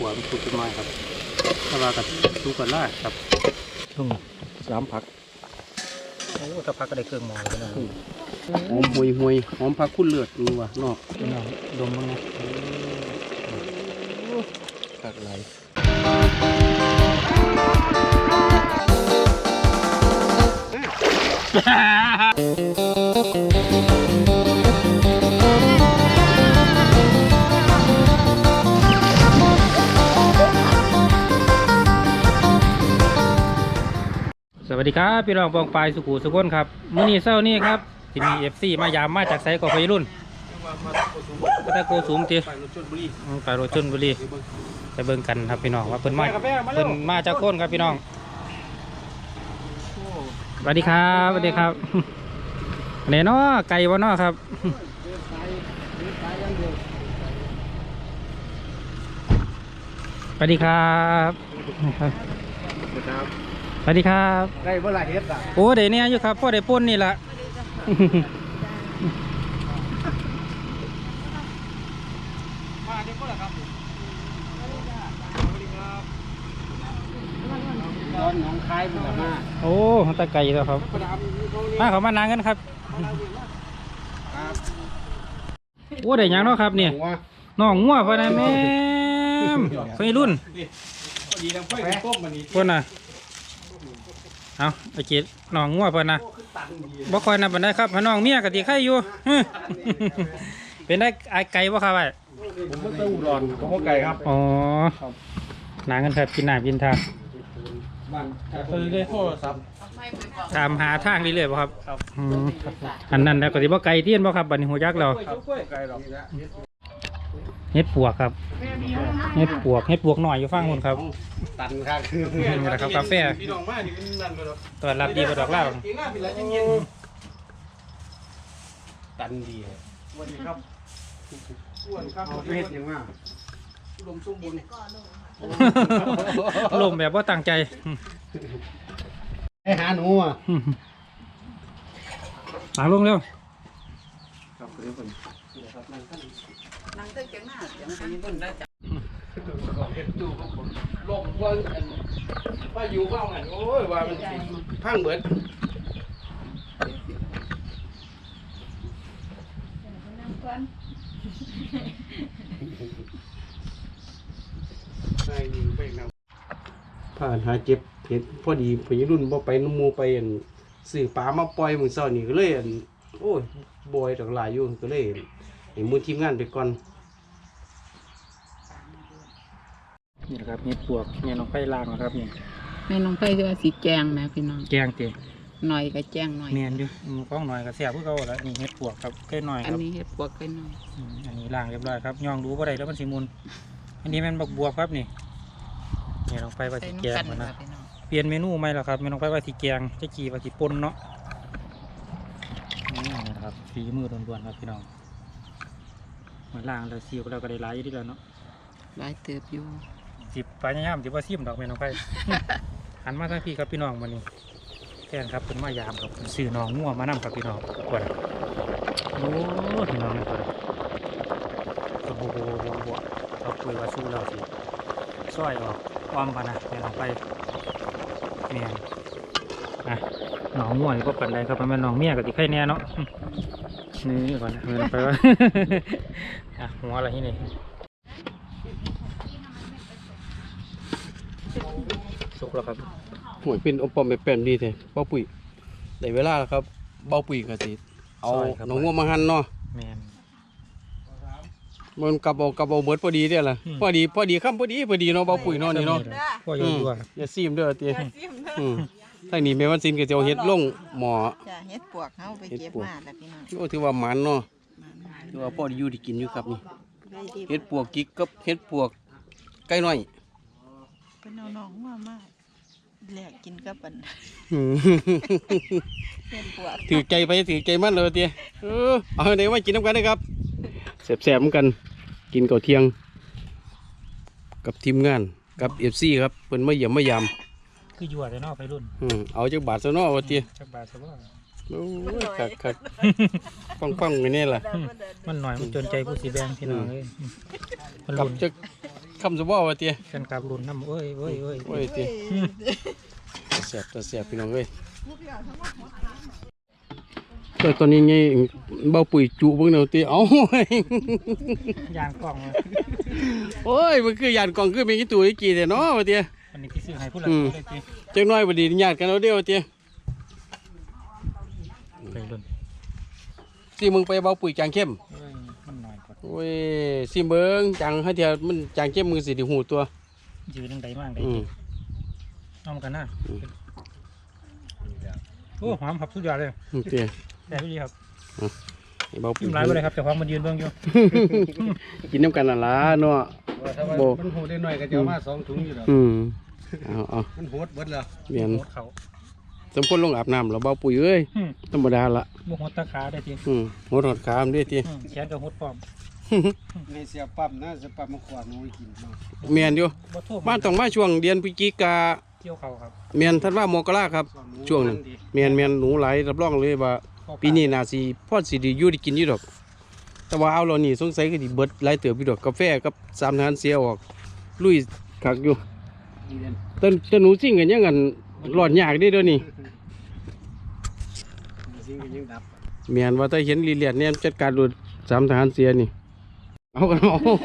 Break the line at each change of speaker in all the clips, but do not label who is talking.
ขัวมันสุกขึ้นมาครับถ้าว่ากับสุกกันล่าครับ3 ผักโอ้ถ้าผักก็ได้เครื่องหมอแล้วนะหอมห่วยหอมผักคุ้นเลือดดูว่ะนอกดมบ้างนะผักสวัสดีครับพี่น้องปองปลายสุขุสุขนครับมื้อนี้เช้านี้ครับที่มีFCมายามมาจากไซก่อไฟรุ่นก็ตะโกสูงจีไปรถชลบุรีไปเบิ่งกันครับพี่น้องว่าเพิ่นมาจากโคนครับพี่น้องสวัสดีครับสวัสดีครับไหนเนาะไก่วะเนาะครับสวัสดีครับสวัสดีครับ
ได้เมื่อไรเฮ็ดอ่ะ
โอ้เดี๋ยวนี้อยู่ครับพ่อได้ป่นนี่ละมาได้ป่นเหรอครับ
ตอนน้องคายมันละมา
โอ้ตะไก่แล้วครับมาเขามานานกันครับโอ้ได้ยังเนาะครับเนี่ยน้องงัวพอนะแม่ไฟรุ่นพวกน่ะเอาไอ้เกศน้องงัวเพิ่นนะบ่คอยนับปานใดครับน้องเมียกะติไข่อยู่เป็นได้ไก่บ่ครับไอ้
ผมไม่เคยอุดรผมก็ไก่ครับ
อ๋อหนากันครับกินน้ำกินทาง
ได้โทรศัพท์
ตามหาทางเรื่อยๆบ่ครับอันนั้นแล้วก็สิบ่ไก่เทียนบ่ครับบัดนี้ฮู้จักแล้วเฮ็ดปวกครับเฮ็ดปวกหน่อยอยู่ฟังคนครับ
ตันครับ
นี่แหละครับกาแฟตอนรับดีกว่าดอกเหล้า
ตันดีสวัสดีครับอ้วนครับเฮ็ดยังไงลมชุ่มบุญ
ลมแบบว่าตั้งใจ
ให้หาหนูอ่ะ
หลังลงเร็ว
นั่งเต้นเก่งมากเดี๋ยวมันจะได้จับ
ลมว่าอยู่บ้างไงโอ้ยว่ามันพังเบิดผ่านหาเจ็บเห็นพอดีพยรุ่นบ่ไปน้ำมูไปสื่อปลามาปล่อยมือเช้านี่ก็เลยโอ้ยบอยดอกหลายอยู่ก็เลยเห็นมือทีมงานไปก่อน
นี่นะครับเห็ดปวกเนี่ยน้องไฟล่างนะครับนี่
แม่น้องไฟคือว่าสีแจงนะพี่น้อง
แกงเตี๋ย
หน่อยก็แจงหน่อย
เมียนอยู่ก้องหน่อยก็เสียบเพื่อเขาแล้วนี่เห็ดปวกครับแค่หน่อยครับ
อันนี้เห็ดปวกแค่หน่อย
อันนี้ล่างเรียบร้อยครับย่องดูว่าได้แล้วมันสีมุนอันนี้มันบักบวบครับนี่เนี่ยน้องไฟว่าสีแกงนะเปลี่ยนเมนูไหมล่ะครับแม่น้องไฟว่าสีแกงจะกี่ว่าสีปนเนาะนี่นะครับฝีมือล้วนๆครับพี่น้องมาล่างแล้วซีก็เราก็ได้หลายอยู่ดีแล้วเนาะ
หลายเติบอยู่
สิบไปย่ำสิบว่าซิมดอกแม่น้องไฟหันมาทางพี่ครับพี่น้องวันนี้แทนครับเป็นมายามครับสื่อน้องงัวมานั่งครับพี่น้องกดโอ้พี่น้องนี่กดโบเราคุยว่าสู้เราสิซอยออกอ้อมกันนะแม่น้องไฟเมียนอ่ะน้องงัวนี่ก็ปันใดครับมันน้องเมียกับที่ไข่แน่เนาะนี่ก่อนแม่น้องไฟว่าอ่ะหัวอะไรที่นี่สุกแล้วครับ
หวยเป็นอมปอมแบบแป้นดีแท้เบ้าปุ๋ยได้เวลาแล้วครับเบ้าปุ๋ยก็สิเอาน้องงัวมาหั่นเนาะ
แม่น
มันกับเอาเบิดพอดีเด้อล่ะพอดีคำพอดีเนาะเบ้าปุ๋ยเนาะนี่เนาะ
พ่ออยู่ด้วย
อย่าซีมเด้อติทางนี้แม่วันซินก็จะเอาเฮ็ดลงหม้อ
จ้ะเฮ็ดปวกเฮาไปเก็บมาแล้วพี่น้อง
โอ้ถือว่าหมันเนาะถือว่าพอดีอยู่ที่กินอยู่ครับนี่เฮ็ดปวกกิ๊กกับเฮ็ดปวกไก่น้อย
เป็นน้องๆมากแลกกินกับอันเฮ็ดปวก
ถือใจไปถือใจมันเลยติเอาเดี๋ยวมากินน้ำกันนะครับแซ่บๆเหมือนกันกินก่อนเที่ยงกับทีมงานกับ FC ครับเพิ่นมาเยี่ยมมายาม
คืออยู่แต่นอกไปรุ่น
เอาจักบาทซะเนาะว่าติ
จักบาทซะว่า
โอ้ยคักฟังๆไว้นี่ล่ะ
มันหน่อยมันจนใจผู้สีแดงพี่น้องเอ้ย
กับจักคำสบอว่าเตี้ย
แฟนคลับรุ่นน้ำเอ้ย
โอ้ยเตี้ยแสบตัวแสบพี่น้องเอ้ยแต่ตอนนี้ไงเบาปุ๋ยจุเบิ่งเนาะเตี้ยเอ้าย
างกล่องเลย
โอ้ยมันคือยานกล่องคือมีกี่ตัวอีกกี่แต่เนาะว่าเตี้ย
วันนี้ที่ซื้อให้ผู้หลักได้จี
จังน้อยบ่ดีญาติกันเอาเดียวเตี้ย
ไปรุ่น
สิมึงไปเบาปุ๋ยจางเข้ม
เอ้ยมันหน่อยกว่า
โอ้ยสิเบิ่งจังให้เทียมันจางเข้มมือสิได้หูตัว
ยืนยังไงมากเลย
อืม
เอามากันนะโอ้หอมครับสุดยอดเลย
เตี้ย
แต่พี่ดีครับ
ให้เบาปุ๋
ยิ้
ย
มร้ายไปเลยครับแต่ของมันยืนเบื้องอยู่
กินน้ำกันน่ะล่ะเนาะ
โบมันโหดได้หน่อยก็จะเอามา2 ถุงอยู่แล้ว
เอา
มันโหดเบิดแล้ว
เมียน
โหดเขา
สมควรลงอาบน้ำแล้วเบาปุ๋ยเอ้ยธรรมดาละ
บุกหดตะขาได้จี
หดหดขามด้วยที
แขนกับหดปลอม
ในเสียปั๊มนะเสียปั๊มมาขวานน้อยกินเนาะ
เมียนอยู่
บ่ทั่ว
บ้านต้องมาช่วงเดือนพฤศจิกา
เกี่ยวเขาครับ
เมียนท่านว่ามกราครับ ช่วงนั้นเมียนหนูหลายรับรองเลยว่าปีนี้น่าสิพอดสิไดีอยู่ได้กินอยู่ดอก แต่ว่าเอาเรานี่สงสัยก็สิเบิดหลายเติบอยู่ดอกกาแฟกับสามทหารเสียออกลุยคักอยู่แต่หนูซิ่งกันยังกันหลอดยากเด้เดี๋ยวนี้
สิ่งก็ยังดับ
เมียนว่าถ้าเห็นลีเลียดเนี่ยจัดการดูสามทหารเสียนี่เอากันเอา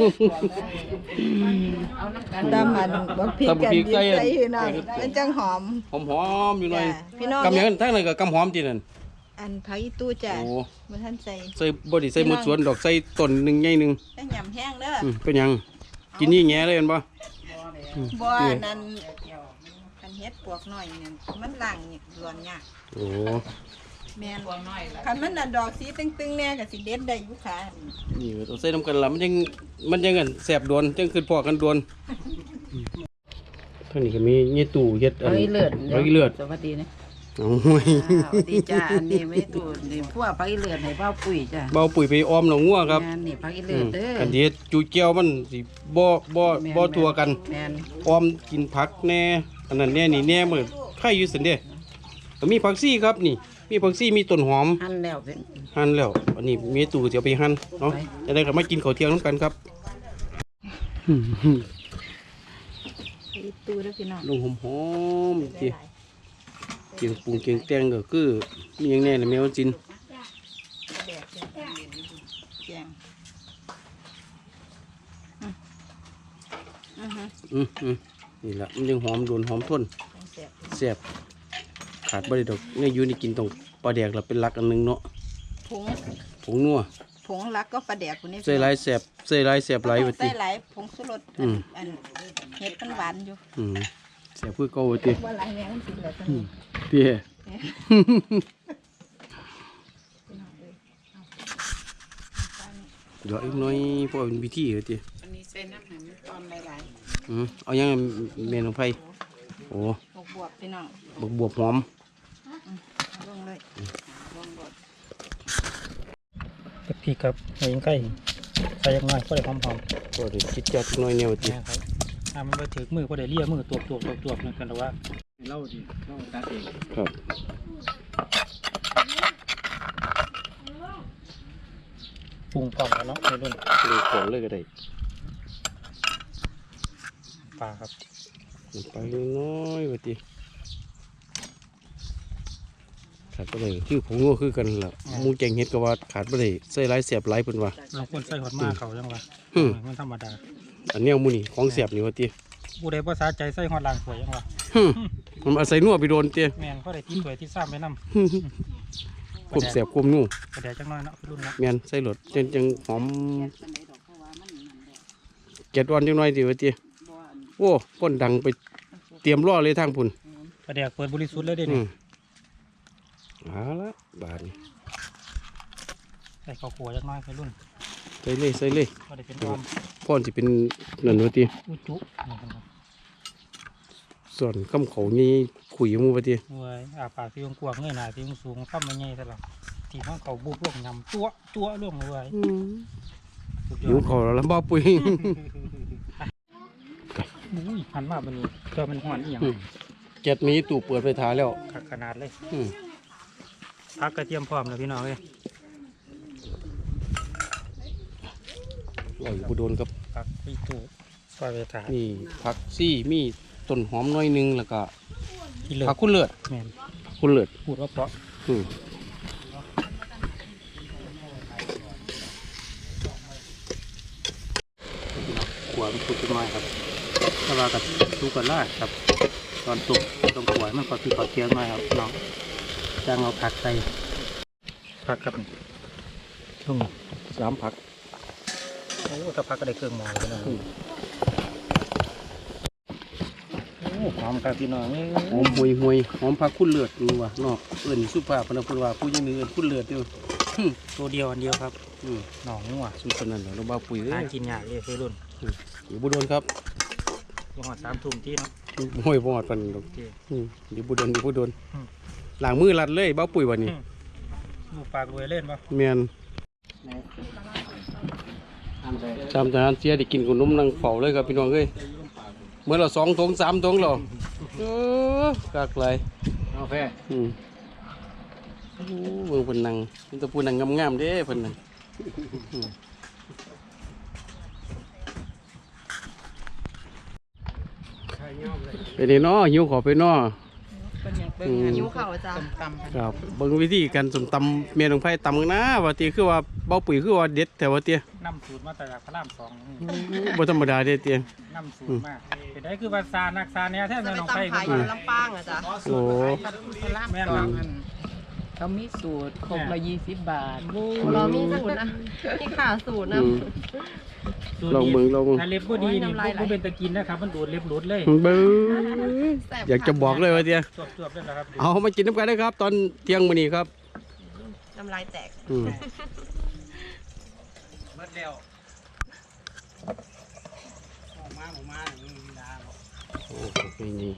ตามมันบักพริก
ตำบั
กั
ก
น
พริก
ดี
ใส่
ใส่พี่น้องมันจังหอม
หอมๆอยู่หน่อย
จ้ะพี่น้อง
กำยังทั้งนั้นก็กำหอมจีนั่น
อันผักอีตู้จ้ะ
โอ้
บ่ทันใส่
ใส่บไดีใส่หมดสวนดอกใส่ต้นหนึ่งใหญ่หนึ่ง
แต่ยำแห้งเด้อ
เป็นหยังกินนี่แง่เลยเห็นปะ
บ่นั่นคันเฮ็ดปวกน้อยนี่มันล้างนี่ร้อนยาก
โอ้
แม่นปวกน้อยคันมันน่ะดอกสีตึงๆแน่ก็สิเด็ดได้อยู่ค่ะ
นี่ต้องใส่น้ำกันละมันยังกันแสบโดนจังคือพอกันโดนท่างนี้ก็มีเงี้ยตู่เฮ็ดอัน
ไอ้เลือด
ไอ้เลือด
สวัสดีนะ
เอาห่วย
สวัสดีจ้าอันนี้ไม่ตูดนี่พวกพักอีเลือดให้เบ้าปุ๋ยจ้า
เบาปุ๋ยไปออมหนองงัวครับ
งานนี่พักอีเลือดเด้อ
กันเฮ็ดจูเจียวมันสิบ่ทัวกัน
แมน
ออมกินผักแน่อันนั้นแน่นี่แน่เหมือนไข่อยู่สันเด้ก็มีผักซี่ครับนี่ มีผักซี่มีต้นหอม
หั่นแล้วเป็น
หั่นแล้วอันนี้มีตู่เดี๋ยวไปหั่นเนาะจะได้กลับมากินข้าวเที่ยงน้ำกันครับ
อีตู้เด้อพี่น้อง
ลงหอมๆจีเกียงปรุงเกียงแตงก็คือมีอย่างแน่เลยแมวจิน
แกง
นี่แหละมันยังหอมโดนหอมทนแซ่บขาดบ่ได้ดอกในอยู่นี่กินตรงปลาแดกเราเป็นหลักอันหนึงเนาะ
ผง
ผงนัว
ผงลักก็ปลาแดกคนนี้
ใส่หลายแซ่บใส่หลายแซ่บหลายว่า
ใส่
ติ
หลายผงสุรสอันเห็ดมันหวานอยู่
แซ่บคือเก่าว่าติ
ว่าหลายแมงมันสิเหลือจัง
เตี้ยเดี๋ยวอีกหน้อยเพราะว่าเป็นวิธีว่าติ
อันนี้ใส่น้ำให้มันตอนหลาย
เอายังเมนูไผ่โอ้
บวบพี่น้อง
บวบหอม
ลงเลย
ตะพีครับใส่ยังใกล้ใส่ยังน้อยก็ได้หอม
ก็ได้คิดจัดหน่อยแนว
ๆ
ติ
นะครับถ้ามันไปถึงมือก็ได้เลี่ยมือตัวนั่นกันแต่ว่า
เล่าดิเล่าตัดเอง
ครับ
ปรุงพร้อมแล้วเนาะในรุ่น
เลยของเลยก็ได้
ปลาครับ
ไปน้อยว่าติขาดบ่ได้คือผงงัวคือกันล่ะหมูแกงเฮ็ดก็ว่าขาดบ่ได้ใส่หลายแซ่บหลายเพิ่นว่า
บางคนใส่หอดมาเขายังว่ามันธรรมดา
อันแนวหมูนี่ของแซ่บนี่ว่าติ
ผู้ใดภาษาใจใส่หอดลางสวยยังว่า
มันอาศัยนัวไปโดนติ
แมนก็ได้ที่สวยที่ซ้ำไปนำ
ควบแซ่บควบนัว
กระเดี๋ยวจังน้อยเนาะรุ่นเนาะ
แม่นใส่รสจังหอมเก็ดอ่อนจังหน่อยติว่าติโอ้พ่นดังไปเตรียมรอเลยทางพุ่น
กระเดี๋ยวเปิดบริสุทธิ์เลยเด้
อื
นี่
มเอาละบาดนี้
ใส่ข้าวขัวจังน้อยไปรุ่น
ใส่เลยใส่เลย
ก็ได้เป็นออม
พ่อนสิเป็นนั่นว่าติ
อุจุนี่ครับ
ส่วนคำเขานี่ขุยหมูว่าติ
เว้ยอาปากที่กว้างเงยหน้าที่สูงข้ามไม่ใหญ่ซะแล้วที่ห้องเขาบุบลงยำจั่วลงเลยสุดย
หิ
อ
ว
ด
เขาแล้วลำบ่ปุ๋ย
อุ้ยหันมาบันนี้เพื่อมันหอนอีหยัง
แก๊สมีตู้เปิดไฟทาแล้ว
ขนาดเลย
อืม
พักกระเทียมพร้อมแล้วพี่น้องเลย
อร่อยบุโดนครับ
พักพี่ตู้ซอยไปถา
นี่ผักซี่มีต้นหอมน้อยหนึงแล้วก็
ที่เลิศ
ผักคุณเลิศ
แม่น
คุณเลิศ
พูดว่าเพราะ
อืมขวานขุดขึ้นมาครับถ้าว่ากับดูกันล่าครับตอนตุกตรงขวานมันก็ที่ขอเทียงมาครับน้องจ้างเอาผักใส่
พักครับช่วง
3ผัก
โอ้ถ้าพักก็ได้เครื่องหมอแล้วนะโอ้หอมครับพี่น้อง
หอมห่วยหอมผักคุณเลิศนี่ว่านอกเอิ้นสุภาพพนักพูดว่าผู้ยังมีเอิ้นคุณเลิศอยู่
ตัวเดียวอันเดียวครับ
อืม
หนองงัว
สุดคนนั้นเหรอเราบ้าปุ๋ยเลย
หากินยากเลยคือรุ่น
อยู่บุดนครับ
ลงหอด3 ทุ่มที่เนาะ
ห้วยบอดปันดอก
โอเค
อยู่บุดนอยู่บุดน
อืม
หลังมือรัดเลยบ้าปุ๋ยวันนี้
ลูกปากรวยเล่นปะ
เมียนจำทหารเสียได้กินขนมนางเฝ้าเลยครับพี่น้องเอ้ยเมื่อเรา2 ถุง 3 ถุงเรากากไร
เอาแฟ
โอ้เบิ่งเพิ่นนั่งมันจะพูดนั่งงามๆเด้เพิ่นนั่นไปนี่เนาะหิวขอไปเนาะ
เป็นอย่างเบิ่งหิวข้าวจ้ะตำๆ
ครับเบิ่งวิธีการสมตำเมียน้องไผ่ตำกันนะว่าติคือว่าเบาปุ๋ยคือว่าเด็ดแต่ว่าเตี้ย
น้ำสูตรมาแต่จากพระราม2นี่
บ่ธรรมดาเด้เตี้ย
น้ำสูตรมากเป็นได้คือว่าซานักซาเนี่ยแท้
จะ
แม่
ไป
น้องไผ่
ตำขายอยู่ลำปางอ่ะจ้ะ
โอ้
แม่นครับ
เขามีสูตรครบละ20 บาท
เรามีสูตรนะมีขาสูตรนะ
สูตร
ลอง
นี้
เบิ่งลองเบิ่ง
ถ้าเล็บบ่ดีนี่บ่เป็นตะกินนะครับมันดูดเล็บหลุดเลย
เบิ่งอยากจะบอกเลยว่าเตี้ย
จวบๆเลยนะครับ
เอามากินน้ำกันได้ครับ ตอนเที่ยงมื้อนี้ครับ
น้ำลายแตก
อืม
เบิดแล้วออกมามีเวลาบ่
โอ้โหนี่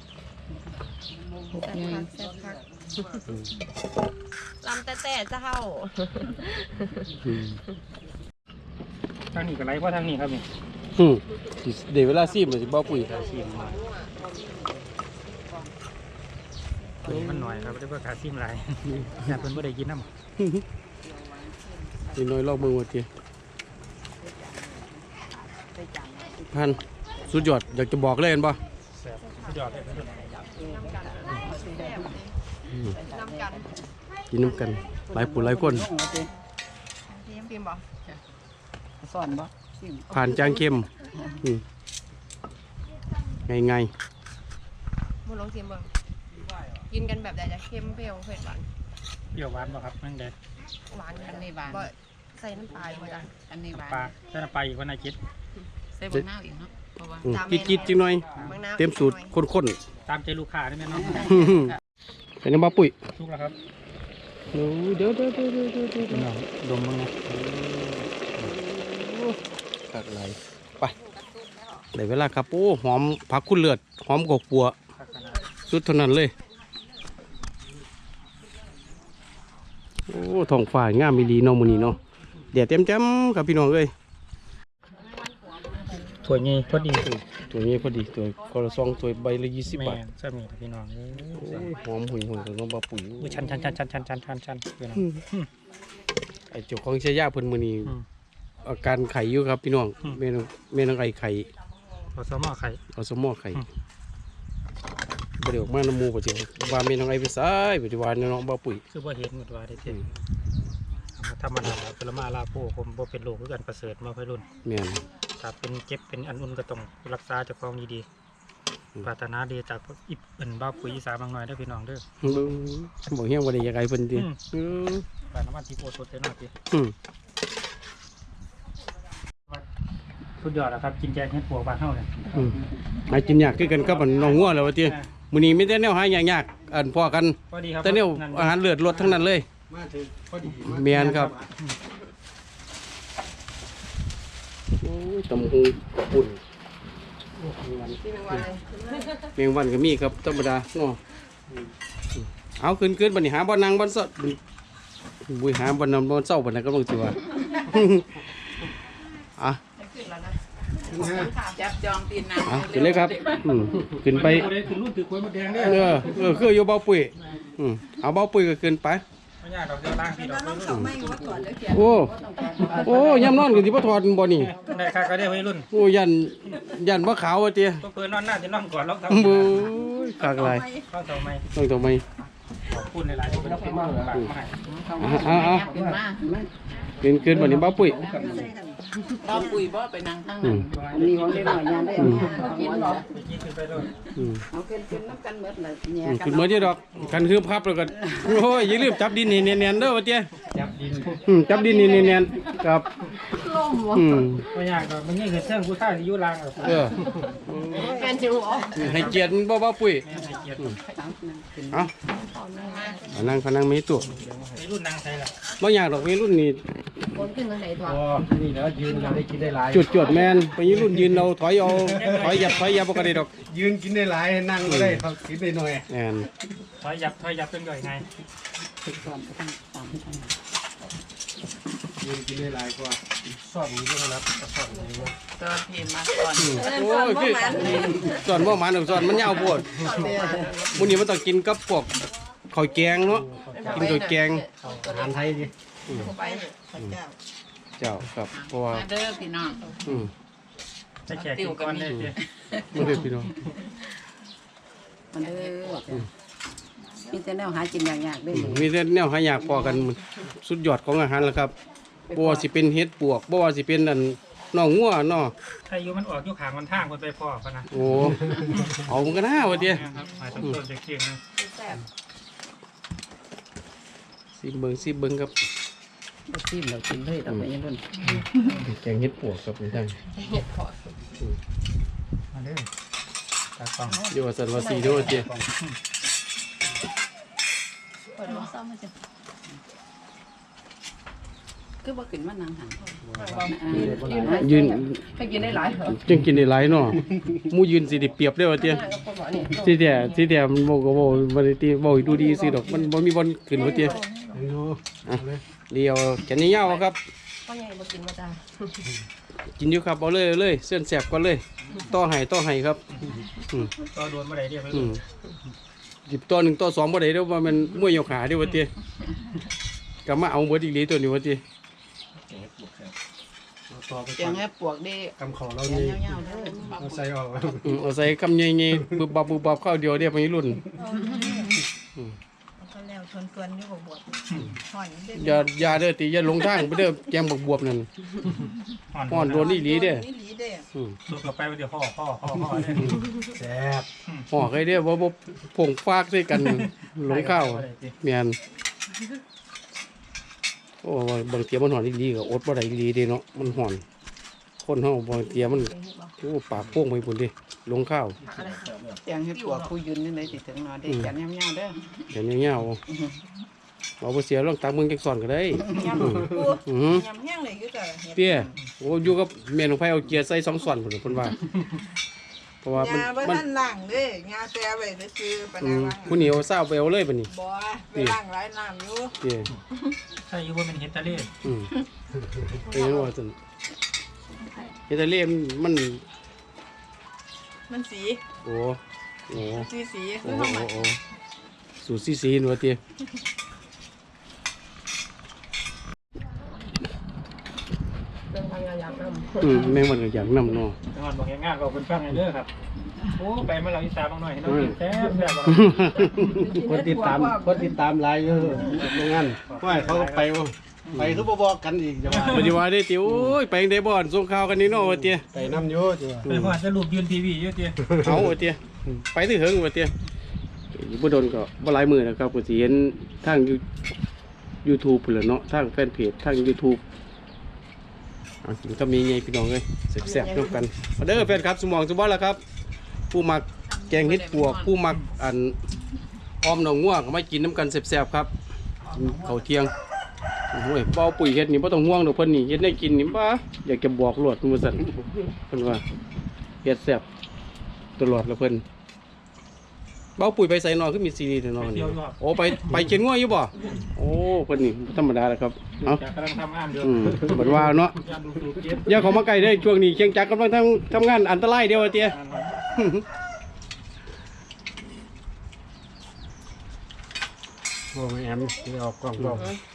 แซ่บคักลำแต่เจ้า
อืม
ทางนี้ก็ไหลเพราะทางนี้ครับนี่
อืมสิเดี๋ยวเวลาซีมมันสิบ่ปุ๋ย
ซีมมาตัวนี้มันหน่อยครับได้เพื่อขาซีมหลายอยากเพิ่นบ่ได้กินน้ำ
นี่น้อยลองเบิ่งว่าเตี้ยพันสุดยอดอยากจะบอกเลยเห็นป่ะ
แซ่บสุดยอดเลยครับ
น้ำกัน
กินน้ำกันหลายผู้หลายคน
พิมพ์บอก
สอนบ่สิ
ผ่านจางเข้มไง
มูลองชิมเบิ่งกินกันแบบใดจะเค็มเปรี้ยวเผ็ดหวาน
เปรี้ยวหวานบ่ครับนั่งเด้
หวาน
อันนี้หวาน
บ่ใส่น้ำปลาอยู่จ้ะ
อันนี้หวาน
ปลาใส่น้ำปลาอีกว่าน่าคิด
ใส่บะนาวอีกเนาะเพราะว่า
กิดจิงหน่อย
บางน้ำ
เต็มสูตรข้น
ตามใจลูกค้าได้ไหมเนาะ
ๆเป็นน้ำบ้าปุ๋ย
ทุกแล้วครับ
เดี๋ยว
พี่น้องดมบ้างนะ
กัดไหลไปได้เวลาครับโอ้หอมผักคุณเลือดหอมกอกปัว
พักกันนะ
สุดเท่านั้นเลยโอ้ท้องฟ้างามมีดีเนาะมื้อนี้เนาะแดดเต็มๆครับพี่น้องเอ้ย
ถั่วงี้พอดี
ตัวนี้พอดีตัวกระซองตัวใบละ20
แม่
บาท
จะมีพี่น้อง
โอ้ยหอมหุ่ยของน้องบ้าปุ๋ย
อุ้ยชันพี่น้อง
ไอ้เจ้าของเชียยาเพิ่นมื้อนี้
อืม
อาการไข่อยู่ครับพี่น้อง
อืม
แม่น้องไอ้ไข่
ขอสมอไข่
เอาสมอไข่
อืม
บ่ได้ออกมาน้ำหมู่บ่จิว่าแม่น้องไอ้ไปซ้ายบ่ได้ว่าน้องบ้าปุ๋ย
คือบ่เห็นหมดว่าได้เท่ธรรมดาผลไม้ลาโพผมบ่เป็นโรคคือกันประเสริฐมาค่อยรุ่น
แม่น
ถ้าเป็นเจ็บเป็นอันอุ่นก็ต้องรักษาเจ้าของดี
อืม
ๆปรารถนาดีจากอิบเป็นบ้าปุ๋ยอีสานบางหน่อยได้อพี่น้องเด้อ
เบิ่งบ่เฮียงบ่ได้อยากให้เพิ่นติ
อืม ปลาน้ำมันที่โพสดเลยหน่อยพี่
อืม
สุดยอดแล้วครับกินแกงเห็ดปวกบ้านเฮาเนี่ย
อืมหากินยากคือกันกับอันน้องงัวแล้วว่าติมื้อนี้มีแต่แนวหายากๆอันพอกัน
พอดีครับ
แต่แนวอาหารเลือดลดทั้งนั้นเลย
มาถึงพอดี
แม่นครับ โอ้ยตำหูกระปุ่น
ที่เป็นวันเลย
เมียงวันก็มีครับธรรมดาเนาะเอาขึ้นบัดนี้หาบ่นั่งบ่ซะบุยหาบ่นอนบ่เศร้าบัดนั้นก็ต้องสิว่า อ่ะ
ขึ้นแล้วนะ
จับจองตีนน้ำ
ขึ้นเลยครับขึ้นไป
ได้ขึ้นรุ่นถือควยมดแดงได้
คืออยู่เบาปุ๋ยเอาเบาปุ๋ยก็ขึ้นไป
ไปไม่ยากดอกเดียวล่างพี่ดอก
น้องเขาไม่ว่าถอดแล้วเขียน
โอ้โอ้ย่ำนอนกันที่พ่อถอดบ่นี่
ได้ค่าก็ได้วัยรุ่น
โอ้ยันว่าขาวว่าเตี้ย
ก็เพื่อนนอนหน้าจะนอนก่อนล็อกเท้า
บู๊ยกากไร
ล็อกเท้าไม่
ต้องทำไม
ขอบคุณในหลายที่เป็นที่มากหลากมาให้
เอา
ขึ้นมา
เกินวันนี้บ้าปุ้ย
เราปุ๋ยบ่ไปนั่งข้าง
อื
นั้น
ม
มีของได้หน่อยยานได้กินหรอ
ไปกินขึ้นไปเลย
อืม
เอาขึ้นน้ำกันหมดเลยเนี่ย
คุณเมื่อที่ดอกกันคืบครับแล้วกันโอ้ยอย่าลืมจับดินนี่เนียนๆเด้อว่าเตี้ย
จับดิน
จับดินนี่เนียนๆครับอืม
ไม่ยากดอกมันนี่คือเครื่องผู้ชายที่ยุ่ล่าง
เออ
เป็นจิ๋วอ๋อ
ให้เกียรติบ่บ้าปุ้ย
ไม่ให้เกียรติ
เอานั่งมีตัว
วัยรุ่นนางใส่ละ
บ่อยากดอกมีรุ่นนี่
คนขึ้นทางไหนตัว
อ๋อนี่แล้วยืนเราได้กินได้หลาย
จุดแมนไปยืนรุ่นยืนเอาถอยยับบ่ก็ได้ดอก
ยืนกินได้หลายนั่งก็ได้เขากินได้หน่อย
แอน
ถอยยับเป็นย่อยไง
ยืนกินได้หลายกว่าสอบนี้ด้วยนะสอบนี้นะ
ตัวพีมาก่อน
โอ้ยคือส่วนบ่หมันส่วนมันยาวโพดมื้อนี้มันต้องกินกับพวกข้าวแกงเนาะกินข้าวแกง
อาหารไทยดิ
ไปพระเจ้า
เจ้าครับเพราะว่า
มาเด้อพี่น้อง
อืม
จะแขกกินก้อนได้เจ้
บ่ได้พี่น้อง
มาเด้อมีแต่แนวหากินยากๆได้
มีแต่แนวหายากพอกันมันสุดยอดของอาหารแล้วครับบ่ว่าสิเป็นเห็ดปวกบ่ว่าสิเป็นอันน้องงัวเนาะ
ถ้าอยู่มันออกอยู่ขางมันทางคนไปพ่อพะนะ
โอ้เอามันก็น่าว่าเด้
ครับหมายถึงต้นจะเคียงนะ
สิเบิ่งครับ
ซิมเรากินเลยต่อไปยังรุ่น
แกงเห็ดปวกครับนี่ท่าน
มาเลยตากล้อง
เดี๋ยวว่าสันว่าสีเด้อเจ้
คือบ่ขึ้นมานั่งหัน
ยืน
ให้กินได้หลายเหรอ
จังกินได้หลายเนาะหมู่ยืนสิได้เปรียบเด้อว่าเจ้สิแต่มันบ่ก็บ่บ่ได้ติบ่ดูดีสิดอกมันบ่มีบอลขึ้นว่าเจ้อ่ะเดียวแขนยาวๆครับ
พ่อใหญ่บ่กินบ่จ้า
กินอยู่ครับเอาเลยเส้นแสบก่อนเลยต่อให้ครับอืม
ก็โดนมาได้เรียบร้อย
อืมหยิบตัว1ตัว2บ่ได้เด้อว่ามันมวยยกขาเด้อว่าเจ้ก็มาเอาเบิดอีหลีตัวนี้ว่าเจ้
ต่อไป
เสียงให้ปวกได้
กำขอเรา
เสียง
นี่
ยาวๆเด้อ
เอาใส่ออก
เอาใส่คำใหญ่ๆบึบบับเข้าเดียวเด้อไปรุ่น
เขาแล้วชนกวนอยู่บวบถอนเด้
อย่าเด้อติอย่าลงทางไปเด้อแกงบวบนั่นฮ้อนโดนอีหลีเด้อ
นี่หลีเด้อ
อืม
สุกกับไปเดี๋ยวพ่อเนี่ย
แซ่บ
ห่อใครเด้อบ่ผงฟากใส่กันหลงข้าวแม่นโอ้ยบางเทียมันฮ้อนอีหลีก็อดบ่ได้อีหลีเด้เนาะมันฮ้อนคนเฮาบางเทียมันโอ้ปากโป่งไปพุ่นเด้ลงข้าว
เสียงให้ปวกผู้ยืนนี่เลยสิถึงนอนได้กันยาวๆเด้อ
แขนยาวๆเอาบ่เสียลองตักมึงจักซ่อนก็ได้
ยำปู
อือหือย
ำแห้งเลยอยู่แต่เห็ด
เตี้ยโอ้อยู่กับแม่นของไผเอาเกียร์ใส่2ซ่อนพุ่นเพิ่นว่าเพราะว่ามัน
ยาบ่
มัน
ทันล้างเด้ยาแซ่ไว้ซื่อๆปะ
อื
นะ
ม
ว่า
ผู้เหนียวเศร้าไปเอาเลยบัดนี้
บ่ไปล้างหลายน้ำอยู่
เตี้ย
ถ้าอยู่ว่าเป็นเฮตาเล่
อืมเป็นยังว่าซั่นเฮ็ดให้เล่มัน
มันสี
โอ้โอ้
สี
โอ้
คือ
โอ้
เฮามัก
โอ้สูตรซีนว่าเตี้ยแม่งมันก็อยากนำเนาะ
จังหวัดบอกงานบอกคนฟังไงเด้อครับโอ้ไปมาเราอีสานบางหน่อยให้น้องกินแซ่บแซ่บ
คนติดตามหลายอยู่โรงงานว่าเขาก็ไปบ่ไปคือบ่บอกกันอีกจะว่า
ปฏิวัติได้ติโอ้ยไปได้บ่อนส่งข่าวกันนี่เนาะว่าเตี้ย
ไปน้ำอยู่จ้ะ
ไปว่าจะรูปยืนทีวีเยอะเตี้ย
เอาว่าเตี้ยไปถึงเหิงว่าเตี้ยอยู่บ่โดนก็บ่หลายมื้อนะครับก็สิเห็นทาง YouTube พุ่นล่ะเนาะทางแฟนเพจทาง YouTube เอากินก็มีไงพี่น้องเอ้ยแซ่บๆร่วมกันมาเด้อแฟนครับสมองสมบัติแล้วครับ ผู้มักแกงเห็ดปวก ผู้มักอันอ้อมหนองง่วงก็มากินน้ำกันแซ่บๆครับกินข้าวเที่ยงโอ้ยเป้าปุ๋ยเฮ็ดนี่บ่ต้องห่วงดอกเพิ่นนี่เฮ็ดได้กินนี่บ่อยากจะบอกโลดว่าซั่นเพิ่นว่าเฮ็ดแซ่บตลอดแล้วเพิ่นเป้าปุ๋ยไปใส่นอนคือมีซีรีส์นอนนี่โอ้ไปเขียนง่วงอยู่บ่โอ้เพิ่นนี่บ่ธรรมดาแล้วครับเอ้า
จากกำลังทำงานเดือด
เหมือนว่าเนาะ
ยามดูเก็บ
อย่าเข้ามาใกล้เด้อช่วงนี้เชียงจักรกำลังทำงานอันตรายเดียวอะเตี้ย โ
บ่แม่นสิออกกล้องกล้อง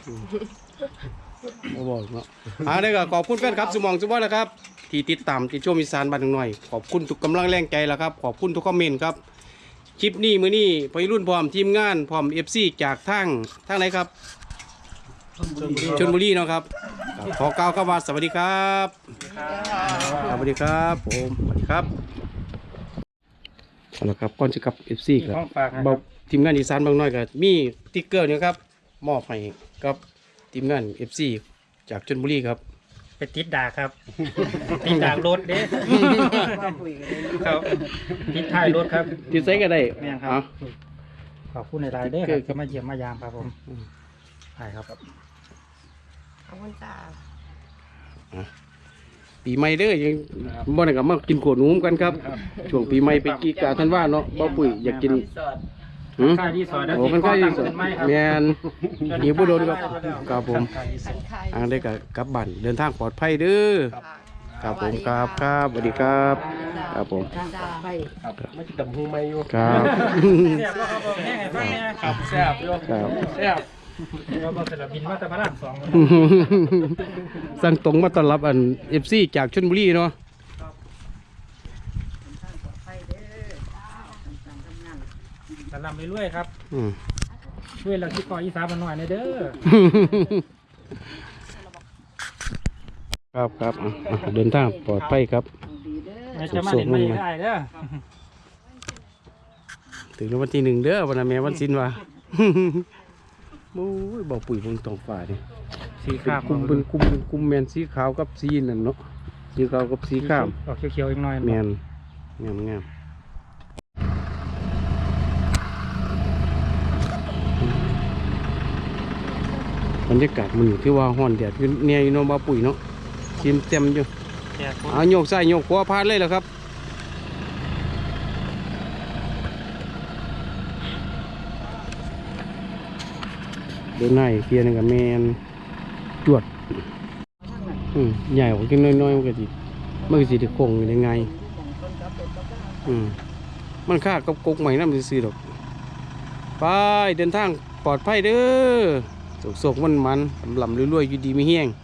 บ่บอกเนาะได้ก็ขอบคุณแฟนครับสมองสมบัตินะครับที่ติดตามที่ชมอีสานบ้านหน่อยขอบคุณทุกกำลังแรงใจแล้วครับขอบคุณทุกคอมเมนต์ครับคลิปนี้มื้อนี้ไปรุ่นพร้อมทีมงานพร้อม FC จากทางไหนครับชลบุรีเนาะครับขอกล่าวคำว่าสวัสดีครับสวัสดีครับผมสวัสดีครับเอาละครับก่อนจะกลับ FC
มี
ครับ
ของฝากนะค
บอ
รั
ก
บ
ทีมงานอีสานบางน้อยก็มีติ๊กเกอร์เนี่ยครับมอบให้กับทีมงาน FC จากชลบุรีครับ
ไปติดดากครับ ติดดากรถเด้
ว่าคุยกันเลย
ครับติดท้ายรถครับ
ติดใส่ก็ได้
แม่นครับ
เอา
ขอบคุณในรายเด้อครับที่มาเยี่ยมมายามครับผมใช่ครับ
ขอบคุณจ้า
ปีใหม่เด้อยังบ่ได้กลับมากินขวดหนูกันครับช่วงปีใหม่ไปกีกาท่านว่าเนาะบ่ปุ๋ยอยากกินหืม
ค่ายที่สอนแล้ว
โอ้
ที่
มัน
ข้
ก็
อ
ดี
ตั้ง
สุด
เป็นไม้ครับ
แม่นหิวบ่โดนครับครับผม
ค่ายที่สอน
อันได้ก็กลับบ้านเดินทางปลอดภัยเด้อครับผมครับครับสวัสดีครับครับผม
ทางปลอดภัย
ไม่กินตับหูไม่อยู่
ครับ
แซ่บแล้วครับผมแห้งไงฟังเนี่ย
ครับแซ่บอยู่
ครับ
แซ่บ
เราบอกเสร็จแล้วบินมาแต่พระรามสอง
สั่งตรงมาต้อนรับอัน FC จากชลบุรีเนาะ
สลำไปเรื่อยครับ
อืม
ช่วยเราที่ก่ออีสานมาหน่อยนะเด้อ
ครับครับเดินทางปลอดภัยครับ
ดีเด้อ
ไม่จะมาเห็นไม่ได้เด้อ
ถึงวันที่1เด้อวันนั้นแม่วันสิ้นว่า โอ้ยบอกปุ๋ยบนท้องฟ้านี่
สี
เป็น
ขาว
กลุ่มเป็นกลุ่มเป็นกลุ่มแมนสีขาวกับสีนั่นเนาะสีขาวกับสีข้าม
ออกเขียวๆอีกหน่อย
แมนงามงามบรรยากาศมันอยู่ที่ว่าห้อนแดดอยู่เนี่ยอยู่เนาะบ่ปุ๋ยเนาะชิมเต็มอยู่
แก่คน
เอาโยกซ้ายโยกขวาพาดเลยเหรอครับเดินหน้าอีกเทียหนึงกับแมนจวดใหญ่กว่ากินน้อยๆมันก็สิได้คงอยู่ได้ไงมันค่ากับกกใหม่น้ำซื้อๆดอกไปเดินทางปลอดภัยเด้อโศกๆมันๆลำๆรวยๆอยู่ดีไม่แห้ง